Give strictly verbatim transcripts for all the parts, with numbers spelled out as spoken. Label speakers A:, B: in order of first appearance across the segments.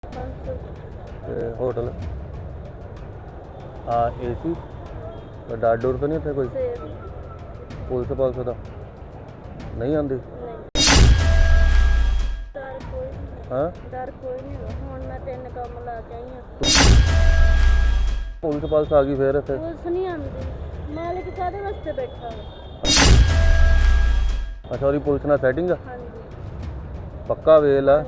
A: ਤੇ ਹੋਟਲ ਆ ਏਸੀ ਡਰ ਡੋਰ ਤਾਂ ਨਹੀਂ ਇੱਥੇ ਕੋਈ ਪੁਲਿਸ ਪਾਲਸ ਦਾ ਨਹੀਂ ਆਉਂਦੀ ਹਾਂ
B: ਡਰ ਕੋਈ ਨਹੀਂ ਹੁਣ ਮੈਂ ਤਿੰਨ ਕੰਮ ਲਾ ਕੇ ਆਈ ਹਾਂ
A: ਪੁਲਿਸ ਪਾਲਸ ਆ ਗਈ ਫੇਰ ਇੱਥੇ
B: ਪੁਲਿਸ ਨਹੀਂ ਆਉਂਦੀ ਮਾਲਕ ਕਾਹਦੇ ਵਾਸਤੇ ਬੈਠਾ ਹੈ
A: ਅੱਛਾ ਉਹਦੀ ਪੁਲਿਸ ਨਾਲ ਸੈਟਿੰਗ ਆ
B: ਹਾਂਜੀ
A: ਪੱਕਾ ਵੇਲ ਆ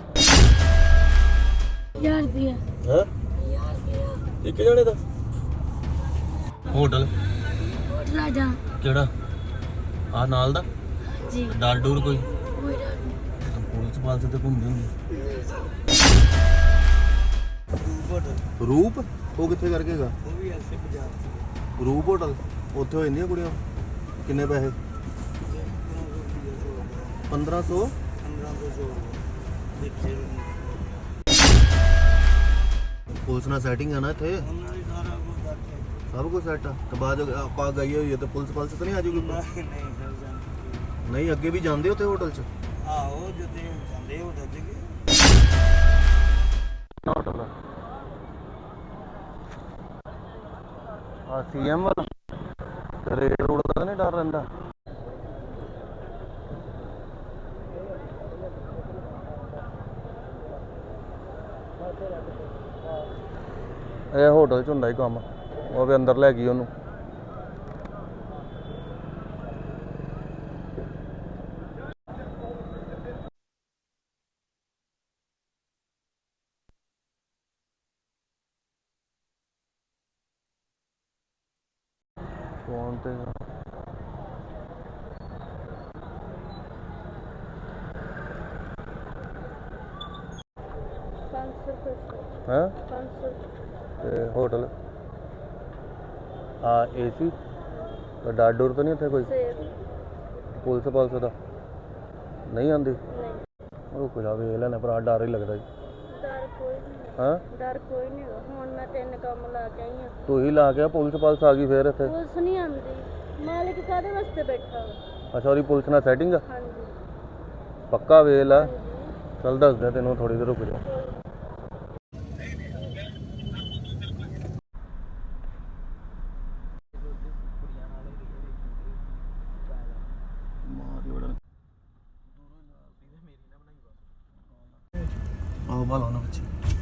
B: ਯਾਰ ਰੁਪਿਆ
A: ਹਾਂ ਇੱਕ ਜਣੇ ਦਾ ਹੋਟਲ
B: ਹੋਟਲ ਆ ਜਾ
A: ਕਿਹੜਾ ਆ ਨਾਲ ਦਾ
B: ਜੀ
A: ਡਰ ਡੋਰ ਕੋਈ
B: ਕੋਈ ਡਰ ਨਹੀਂ
A: ਪੁਲਿਸ ਪਾਲਸ ਤੇ ਘੁੰਮਦੇ ਹੁੰਦੇ ਰੂਪ ਉਹ ਕਿੱਥੇ ਕਰਕੇ ਹੈਗਾ
C: ਉਹ ਵੀ ਐਸੇ ਬਾਜ਼ਾਰ ਚ
A: ਰੂਪ ਹੋਟਲ ਉੱਥੇ ਹੋ ਜਾਂਦੀਆਂ ਕੁੜੀਆਂ ਕਿੰਨੇ ਪੈਸੇ ਪੰਦਰਾਂ ਸੌ
C: ਪੰਦਰਾਂ ਸੌ ਦੇਖੇ
A: ਪੁਲਿਸ ਨਾਲ ਸੈਟਿੰਗ ਆ ਨਾ ਇੱਥੇ
C: ਉਹਨਾਂ ਦੀ ਸਾਰਾ ਕੁਝ ਕਰਕੇ
A: ਸਭ ਕੁਝ ਸੈੱਟ ਆ ਤੇ ਬਾਅਦ ਚ ਆਪਾਂ ਗਈ ਹੋਈ ਹੈ ਤੇ ਪੁਲਿਸ ਪਾਲਸ ਤਾਂ ਨਹੀਂ ਆ ਜੂਗੀ
C: ਨਹੀਂ ਨਹੀਂ ਫਿਰ ਜਾਂਦੇ
A: ਨਹੀਂ ਅੱਗੇ ਵੀ ਜਾਂਦੇ ਉੱਥੇ ਹੋਟਲ 'ਚ
C: ਆਹੋ ਜਦੋਂ ਜਾਂਦੇ ਹੋ ਦੱਜ ਕੇ
A: ਹੋਟਲ ਆ ਸੀਐਮ ਵਾਲਾ ਤੇ ਰੇਡ ਰੋਡ ਦਾ ਨਹੀਂ ਡਰ ਰਹਿੰਦਾ ਇਹ ਹੋਟਲ 'ਚ ਹੁੰਦਾ ਹੀ ਕੰਮ ਉਹ ਵੀ ਅੰਦਰ ਲੈ ਗਈ ਉਹਨੂੰ ਫੋਨ ਤੇ
B: ਪੰਜ ਸੌ ਰੁਪਏ
A: ਹੈ
B: ਪੰਜ ਸੌ
A: ਤੇ ਹੋਟਲ ਆ ਏਸੀ ਡਰ ਡੋਰ ਤਾਂ ਨਹੀਂ ਇੱਥੇ ਕੋਈ
B: ਸੇਬ
A: ਪੁਲਿਸ ਪਾਲਸ ਦਾ ਨਹੀਂ ਆਉਂਦੀ
B: ਨਹੀਂ
A: ਉਹ ਕੁਝ ਆ ਵੇਖ ਲੈਣਾ ਭਰਾ ਡਰ ਹੀ ਲੱਗਦਾ ਜੀ
B: ਡਰ ਕੋਈ ਨਹੀਂ
A: ਹਾਂ
B: ਡਰ ਕੋਈ ਨਹੀਂ ਹੁਣ ਮੈਂ ਤਿੰਨ ਕੰਮ ਲਾ ਕੇ ਆਈ ਹਾਂ
A: ਤੂੰ ਹੀ ਲਾ ਕੇ ਆ, ਪੁਲਿਸ ਪਾਲਸ ਆ ਗਈ ਫੇਰ ਇੱਥੇ
B: ਪੁਲਿਸ ਨਹੀਂ ਆਉਂਦੀ ਮਾਲਕ ਕਾਹਦੇ ਵਾਸਤੇ ਬੈਠਾ ਹੈ
A: ਅੱਛਾ ਉਹਦੀ ਪੁਲਿਸ ਨਾਲ ਸੈਟਿੰਗ ਆ
B: ਹਾਂਜੀ
A: ਪੱਕਾ ਵੇਲ ਆ
B: ਹਾਂਜੀ
A: ਚੱਲ ਦੱਸਦਾ ਤੈਨੂੰ ਥੋੜੀ ਦੇਰ ਰੁਕ ਜਾ ਆਹ ਬਾਲ ਉਹਨਾਂ ਵਿੱਚ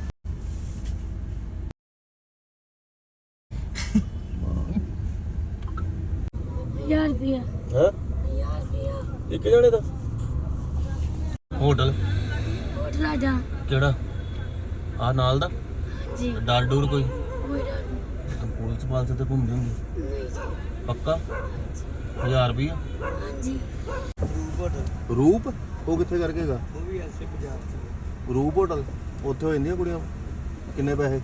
B: ਯਾਰ ਰੁਪਿਆ
A: ਹੈ
B: ਯਾਰ ਰੁਪਿਆ
A: ਇੱਕ ਜਣੇ ਦਾ ਹੋਟਲ
B: ਹੋਟਲ ਆ ਜਾ
A: ਕਿਹੜਾ ਆ ਨਾਲ ਦਾ
B: ਜੀ
A: ਡਰ ਡੋਰ ਕੋਈ
B: ਕੋਈ ਡਰ ਨਹੀਂ
A: ਪੁਲਿਸ ਪਾਲਸ ਤੇ ਘੁੰਮਦੇ ਹੁੰਦੇ
B: ਨਹੀਂ ਜੀ
A: ਪੱਕਾ ਹਜ਼ਾਰ ਰੁਪਈਆ
B: ਹਾਂਜੀ
C: ਰੂਪ ਹੋਟਲ
A: ਰੂਪ ਉਹ ਕਿੱਥੇ ਕਰਕੇ ਹੈਗਾ
C: ਉਹ ਵੀ ਐਸੇ ਬਾਜ਼ਾਰ ਚ
A: ਰੂਪ ਹੋਟਲ ਉੱਥੇ ਹੋ ਜਾਂਦੀਆਂ ਕੁੜੀਆਂ ਕਿੰਨੇ ਪੈਸੇ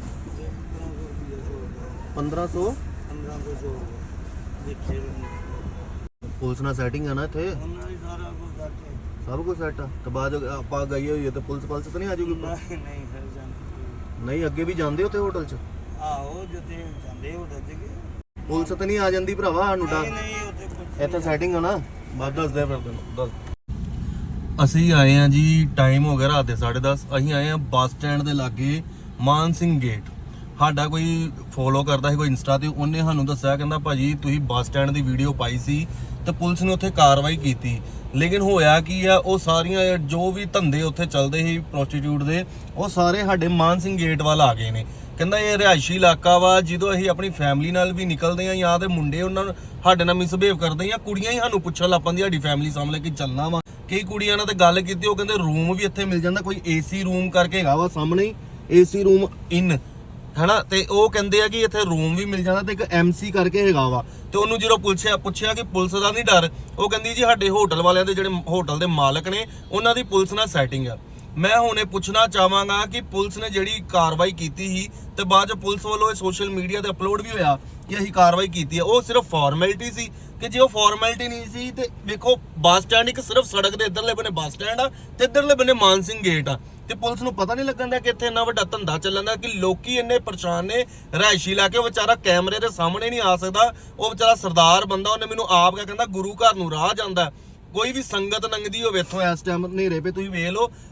A: ਪੰਦਰਾਂ ਸੌ
C: ਪੰਦਰਾਂ ਸੌ ਦੇਖੇ
A: ਪੁਲਿਸ ਨਾਲ ਸੈਟਿੰਗ ਆ ਨਾ ਇੱਥੇ
C: ਉਹਨਾਂ ਦੀ ਸਾਰਾ ਕੁਝ ਕਰਕੇ
A: ਸਭ ਕੁਝ ਸੈੱਟ ਆ ਤੇ ਬਾਅਦ ਚ ਆਪਾਂ ਗਈ ਹੋਈ ਹੈ ਤੇ ਪੁਲਿਸ ਪਾਲਸ ਤਾਂ ਨਹੀਂ ਆ ਜੂਗੀ
C: ਨਹੀਂ ਨਹੀਂ ਫਿਰ ਜਾਂਦੇ
A: ਨਹੀਂ ਅੱਗੇ ਵੀ ਜਾਂਦੇ ਉੱਥੇ ਹੋਟਲ 'ਚ
C: ਆਹੋ ਜਦੋਂ ਜਾਂਦੇ ਹੋ ਦੱਜ ਕੇ
A: ਪੁਲਿਸ ਤਾਂ ਨਹੀਂ ਆ ਜਾਂਦੀ ਭਰਾਵਾ ਸਾਨੂੰ
C: ਨਹੀਂ
A: ਡਰ
C: ਨਹੀਂ ਉੱਥੇ ਕੁਝ
A: ਇੱਥੇ ਸੈਟਿੰਗ ਆ ਨਾ ਬਾਅਦ ਦੱਸਦੇ ਫਿਰ ਤੈਨੂੰ ਦੱਸ ਅਸੀਂ ਆਏ ਆ ਜੀ ਟਾਈਮ ਹੋ ਗਿਆ ਰਾਤ ਦੇ ਸਾਢੇ ਦਸ ਅਸੀਂ ਆਏ ਆ ਬੱਸ ਸਟੈਂਡ ਦੇ ਲਾਗੇ ਮਾਨ ਸਿੰਘ ਗੇਟ ਸਾਡਾ ਕੋਈ ਫੋਲੋ ਕਰਦਾ ਸੀ ਕੋਈ ਇੰਸਟਾ ਤੇ ਉਹਨੇ ਸਾਨੂੰ ਦੱਸਿਆ ਕਹਿੰਦਾ ਭਾਜੀ ਤੁਸੀਂ ਬੱਸ ਸਟੈਂਡ ਦੀ ਵੀਡੀਓ ਪਾਈ ਸੀ ਤੇ ਪੁਲਿਸ ਨੇ ਉੱਥੇ ਕਾਰਵਾਈ ਕੀਤੀ ਲੇਕਿਨ ਹੋਇਆ ਕੀ ਆ ਉਹ ਸਾਰੀਆਂ ਜੋ ਵੀ ਧੰਦੇ ਉੱਥੇ ਚੱਲਦੇ ਸੀ ਪ੍ਰੋਸਟੀਟਿਊਟ ਦੇ ਉਹ ਸਾਰੇ ਸਾਡੇ ਮਾਨ ਸਿੰਘ ਗੇਟ ਵੱਲ ਆ ਗਏ ਨੇ ਕਹਿੰਦਾ ਇਹ ਰਿਹਾਇਸ਼ੀ ਇਲਾਕਾ ਵਾ ਜਦੋਂ ਅਸੀਂ ਆਪਣੀ ਫੈਮਿਲੀ ਨਾਲ ਵੀ ਨਿਕਲਦੇ ਆ ਜਾਂ ਤੇ ਮੁੰਡੇ ਉਹਨਾਂ ਨੂੰ ਸਾਡੇ ਨਾਲ ਮਿਸਬਿਹੇਵ ਕਰਦੇ ਜਾਂ ਕੁੜੀਆਂ ਹੀ ਸਾਨੂੰ ਪੁੱਛਣ ਲੱਗ ਪੈਂਦੀਆਂ ਸਾਡੀ ਫੈਮਿਲੀ ਸਾਹਮਣੇ ਕਿ ਚੱਲਣਾ ਵਾ ਕਈ ਕੁੜੀਆਂ ਨਾਲ ਤੇ ਗੱਲ ਕੀਤੀ ਉਹ ਕਹਿੰਦੇ ਰੂਮ ਵੀ ਇੱਥੇ ਮਿਲ ਜਾਂਦਾ ਕੋਈ ਏਸੀ ਰੂਮ ਕਰਕੇ ਹੈਗਾ ਵਾ ਸਾਹਮਣੇ ਹੀ ਏਸੀ ਰੂਮ ਇਨ ਹੈਨਾ ਤੇ ਉਹ ਕਹਿੰਦੇ ਆ ਕਿ ਇੱਥੇ ਰੂਮ ਵੀ ਮਿਲ ਜਾਂਦਾ ਤੇ ਇੱਕ ਐਮਸੀ ਕਰਕੇ ਹੈਗਾ ਵਾ ਤੇ ਉਹਨੂੰ ਜਦੋਂ ਪੁੱਛਿਆ ਪੁੱਛਿਆ ਕਿ ਪੁਲਿਸ ਦਾ ਨਹੀਂ ਡਰ ਉਹ ਕਹਿੰਦੀ ਜੀ ਸਾਡੇ ਹੋਟਲ ਵਾਲਿਆਂ ਦੇ ਜਿਹੜੇ ਹੋਟਲ ਦੇ ਮਾਲਕ ਨੇ ਉਹਨਾਂ ਦੀ ਪੁਲਿਸ ਨਾਲ ਸੈਟਿੰਗ ਆ ਮੈਂ ਹੁਣ ਇਹ ਪੁੱਛਣਾ ਚਾਹਾਂਗਾ ਕਿ ਪੁਲਿਸ ਨੇ ਜਿਹੜੀ ਕਾਰਵਾਈ ਕੀਤੀ ਸੀ ਤੇ ਬਾਅਦ ਚ ਪੁਲਿਸ ਵੱਲੋਂ ਇਹ ਸੋਸ਼ਲ ਮੀਡੀਆ ਤੇ ਅਪਲੋਡ ਵੀ ਹੋਇਆ ਕਿ ਅਸੀਂ ਕਾਰਵਾਈ ਕੀਤੀ ਹੈ ਉਹ ਸਿਰਫ ਫਾਰਮੈਲਿਟੀ ਸੀ ਕਿ ਜੇ ਉਹ ਫਾਰਮੈਲਿਟੀ ਨਹੀਂ ਸੀ ਤੇ ਵੇਖੋ ਬੱਸ ਸਟੈਂਡ ਇੱਕ ਸਿਰਫ ਸੜਕ ਦੇ ਇੱਧਰਲੇ ਬੰਨੇ ਬੱਸ ਸਟੈਂਡ ਆ ਤੇ ਇੱਧਰਲੇ ਬੰਨੇ ਮਾਨ ਸਿੰਘ ਗੇਟ ਆ ਤੇ ਪੁਲਿਸ ਨੂੰ ਪਤਾ ਨਹੀਂ ਲੱਗਣ ਦਾ ਕਿ ਇੱਥੇ ਇੰਨਾ ਵੱਡਾ ਧੰਦਾ ਚੱਲਣ ਦਾ ਕਿ ਲੋਕੀ ਇੰਨੇ ਪਰੇਸ਼ਾਨ ਨੇ ਰਿਹਾਇਸ਼ੀ ਇਲਾਕੇ ਉਹ ਵਿਚਾਰਾ ਕੈਮਰੇ ਦੇ ਸਾਹਮਣੇ ਨਹੀਂ ਆ ਸਕਦਾ ਉਹ ਵਿਚਾਰਾ ਸਰਦਾਰ ਬੰਦਾ ਉਹਨੇ ਮੈਨੂੰ ਆਪ ਕਿਹਾ ਕਹਿੰਦਾ ਗੁਰੂ ਘਰ ਨੂੰ ਰਾਹ ਜਾਂਦਾ ਕੋਈ ਵੀ ਸੰਗਤ ਲੰਘਦੀ ਹੋਵੇ ਇੱਥੋਂ ਇਸ ਟਾਈਮ ਹਨੇਰੇ 'ਤੇ ਤੁਸੀਂ ਵੇਖ ਲਓ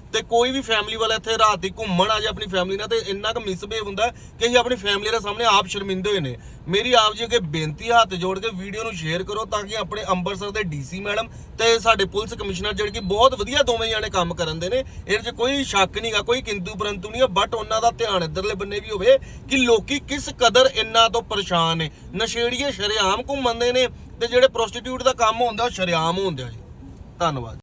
A: ਤੇ ਕੋਈ ਵੀ ਫੈਮਿਲੀ ਵਾਲਾ ਇੱਥੇ ਰਾਤ ਦੀ ਘੁੰਮਣ ਆ ਜਾ ਆਪਣੀ ਫੈਮਿਲੀ ਨਾਲ ਤੇ ਇੰਨਾ ਕੁ ਮਿਸਬਿਹੇਵ ਹੁੰਦਾ ਹੈ ਕਿ ਅਸੀਂ ਆਪਣੀ ਫੈਮਿਲੀ ਦੇ ਸਾਹਮਣੇ ਆਪ ਸ਼ਰਮਿੰਦੇ ਹੋਏ ਨੇ। ਮੇਰੀ ਆਪ ਜੀ ਅੱਗੇ ਬੇਨਤੀ ਹੱਥ ਜੋੜ ਕੇ ਵੀਡੀਓ ਨੂੰ ਸ਼ੇਅਰ ਕਰੋ ਤਾਂ ਕਿ ਆਪਣੇ ਅੰਮ੍ਰਿਤਸਰ ਦੇ ਡੀਸੀ ਮੈਡਮ ਤੇ ਸਾਡੇ ਪੁਲਿਸ ਕਮਿਸ਼ਨਰ ਜਿਹੜੇ ਕਿ ਬਹੁਤ ਵਧੀਆ ਦੋਵੇਂ ਜਾਣੇ ਕੰਮ ਕਰਨ ਦੇ ਨੇ, ਇਹਦੇ 'ਚ ਕੋਈ ਸ਼ੱਕ ਨਹੀਂਗਾ, ਕੋਈ ਕਿੰਤੂ ਪਰੰਤੂ ਨਹੀਂ ਹੈ, ਬਟ ਉਹਨਾਂ ਦਾ ਧਿਆਨ ਇੱਧਰਲੇ ਬੰਨੇ ਵੀ ਹੋਵੇ ਕਿ ਲੋਕੀ ਕਿਸ ਕਦਰ ਇੰਨਾ ਤੋਂ ਪਰੇਸ਼ਾਨ ਨੇ। ਨਸ਼ੇੜੀਏ ਸ਼ਰੇਆਮ ਘੁੰਮਦੇ ਨੇ ਤੇ ਜਿਹੜੇ ਪ੍ਰੋਸਟੀਟਿਊਟ ਦਾ ਕੰਮ ਹੁੰਦਾ ਉਹ ਸ਼ਰੇਆਮ ਹੁੰਦਾ ਜੀ। ਧੰਨਵਾਦ।